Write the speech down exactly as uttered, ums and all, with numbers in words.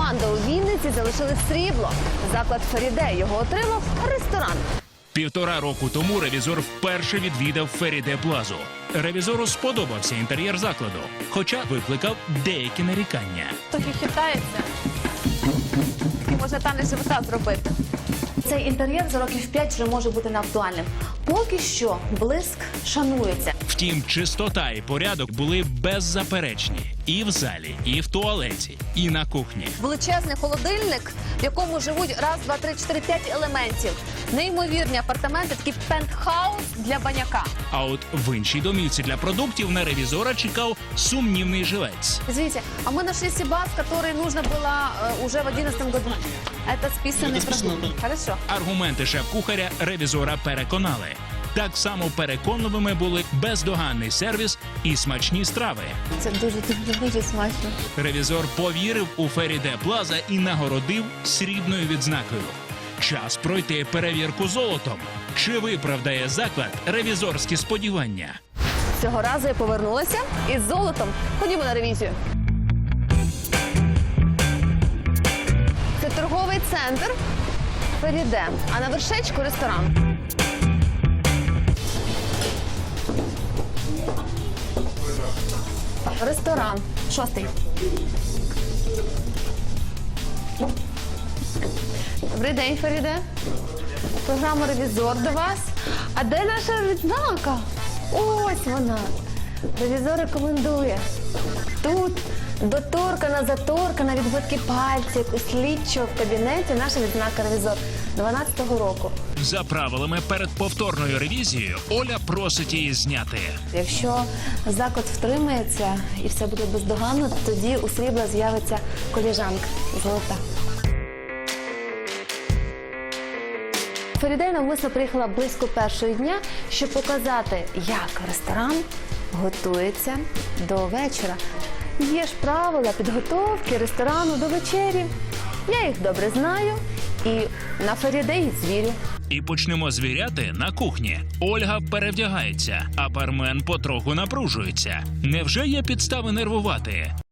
Панда у Вінниці залишили срібло. Заклад Феріде його отримав ресторан. Півтора року тому ревізор вперше відвідав Феріде Плазу. Ревізору сподобався інтер'єр закладу, хоча викликав деякі нарікання. Трохи хитається. Може танець живота зробити. Цей інтер'єр за років п'ять вже може бути неактуальним. Поки що блиск шанується. Втім, чистота і порядок були беззаперечні і в залі, і в туалеті, і на кухні. Величезний холодильник, в якому живуть раз, два, три, чотири, п'ять елементів. Неймовірні апартаменти, такий пентхаус для баняка. А от в іншій домівці для продуктів на ревізора чекав сумнівний жилець. Извините, а мы нашли Сибас, который нужно было э, уже в одиннадцатом году. Это списанный продукт. Хорошо. Аргументи шеф-кухаря ревізора переконали. Так само переконливими були бездоганний сервіс і смачні страви. Це дуже, дуже, дуже смачно. Ревізор повірив у Феріде Плаза і нагородив срібною відзнакою. Час пройти перевірку золотом. Чи виправдає заклад ревізорські сподівання? Цього разу я повернулася із золотом. Ходімо на ревізію. Це торговий центр Феріде, а на вершечку ресторан. Ресторан. Шостий. Добрий день, Феріде. Програма «Ревізор» до вас. А де наша відзнака? Ось вона. Ревізор рекомендує. Тут доторкана, заторкана, відбитки пальців у слідчого в кабінеті наша відзнака «Ревізор» дванадцятого року. За правилами перед повторною ревізією Оля просить її зняти. Якщо заклад втримається і все буде бездоганно, тоді у срібла з'явиться коліжанка золота. Феріде навмисно приїхала близько першого дня, щоб показати, як ресторан готується до вечора. Є ж правила підготовки ресторану до вечері. Я їх добре знаю і на Феріде їх звірю. І почнемо звіряти на кухні. Ольга перевдягається, а бармен потроху напружується. Невже є підстави нервувати?